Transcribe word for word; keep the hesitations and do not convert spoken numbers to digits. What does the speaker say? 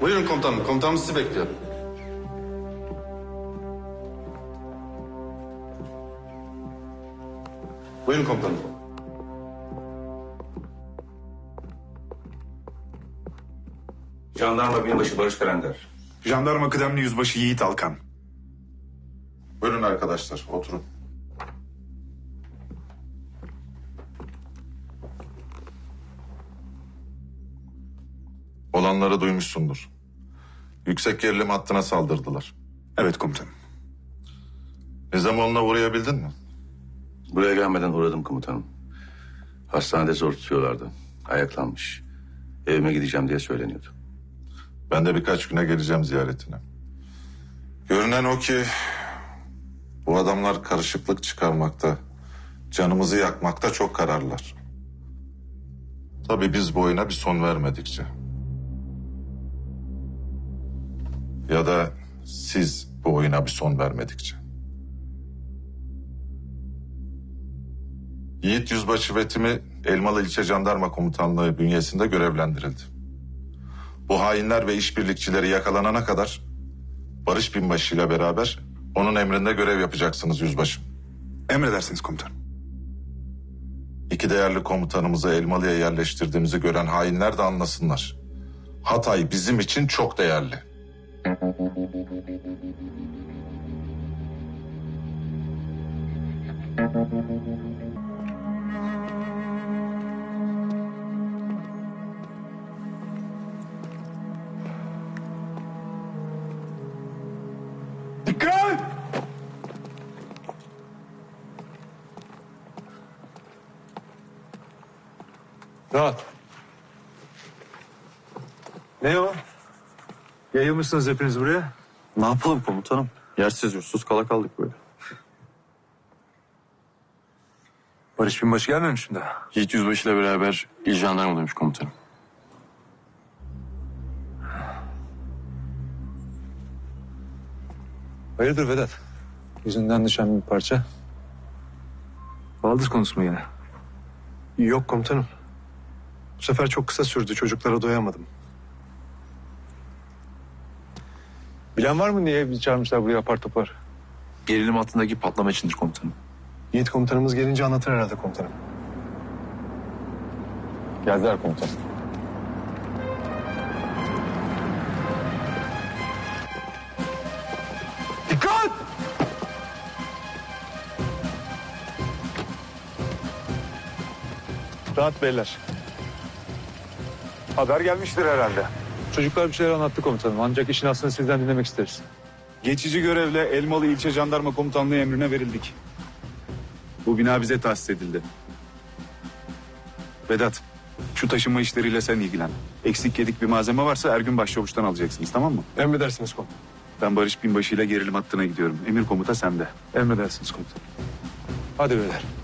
Buyurun komutanım. Komutanım sizi bekliyor. Buyurun komutanım. Jandarma binbaşı Barış Kalender. Jandarma kıdemli yüzbaşı Yiğit Alkan. Buyurun arkadaşlar. Oturun. Olanları duymuşsundur. Yüksek gerilim hattına saldırdılar. Evet komutanım. Nizamoğlu'na uğrayabildin mi? Buraya gelmeden uğradım komutanım. Hastanede zor tutuyorlardı. Ayaklanmış. Evime gideceğim diye söyleniyordu. Ben de birkaç güne geleceğim ziyaretine. Görünen o ki bu adamlar karışıklık çıkarmakta, canımızı yakmakta çok kararlılar. Tabii biz bu oyuna bir son vermedikçe. Ya da siz bu oyuna bir son vermedikçe. Yiğit Yüzbaşı ve timi Elmalı İlçe Jandarma Komutanlığı bünyesinde görevlendirildi. Bu hainler ve işbirlikçileri yakalanana kadar Barış Binbaşı ile beraber onun emrinde görev yapacaksınız yüzbaşım. Emredersiniz komutanım. İki değerli komutanımızı Elmalı'ya yerleştirdiğimizi gören hainler de anlasınlar. Hatay bizim için çok değerli. Dikkat! Rahat. Ne o? Yayılmışsınız hepiniz buraya. Ne yapalım komutanım? Yersiz yursuz kala kaldık böyle. Barış Binbaşı gelmemiş mi daha? Yiğit Yüzbaşı ile beraber il jandarmadaymış komutanım. Hayırdır Vedat? Yüzünden düşen bir parça. Baldız konusu mu yine? Yok komutanım. Bu sefer çok kısa sürdü. Çocuklara doyamadım. Bilen var mı niye bizi çağırmışlar buraya apar topar? Gerilim hattındaki patlama içindir komutanım. Yiğit komutanımız gelince anlatır herhalde komutanım. Geldiler komutanım. Dikkat! Rahat beyler. Haber gelmiştir herhalde. Çocuklar bir şeyler anlattı komutanım. Ancak işin aslını sizden dinlemek isteriz. Geçici görevle Elmalı İlçe Jandarma Komutanlığı emrine verildik. Bu bina bize tahsis edildi. Vedat, şu taşınma işleriyle sen ilgilen. Eksik yedik bir malzeme varsa Ergün Başçavuş'tan alacaksınız, tamam mı? Emredersiniz komutanım. Ben Barış Binbaşı ile gerilim hattına gidiyorum. Emir komuta sende. Emredersiniz komutanım. Hadi beyler.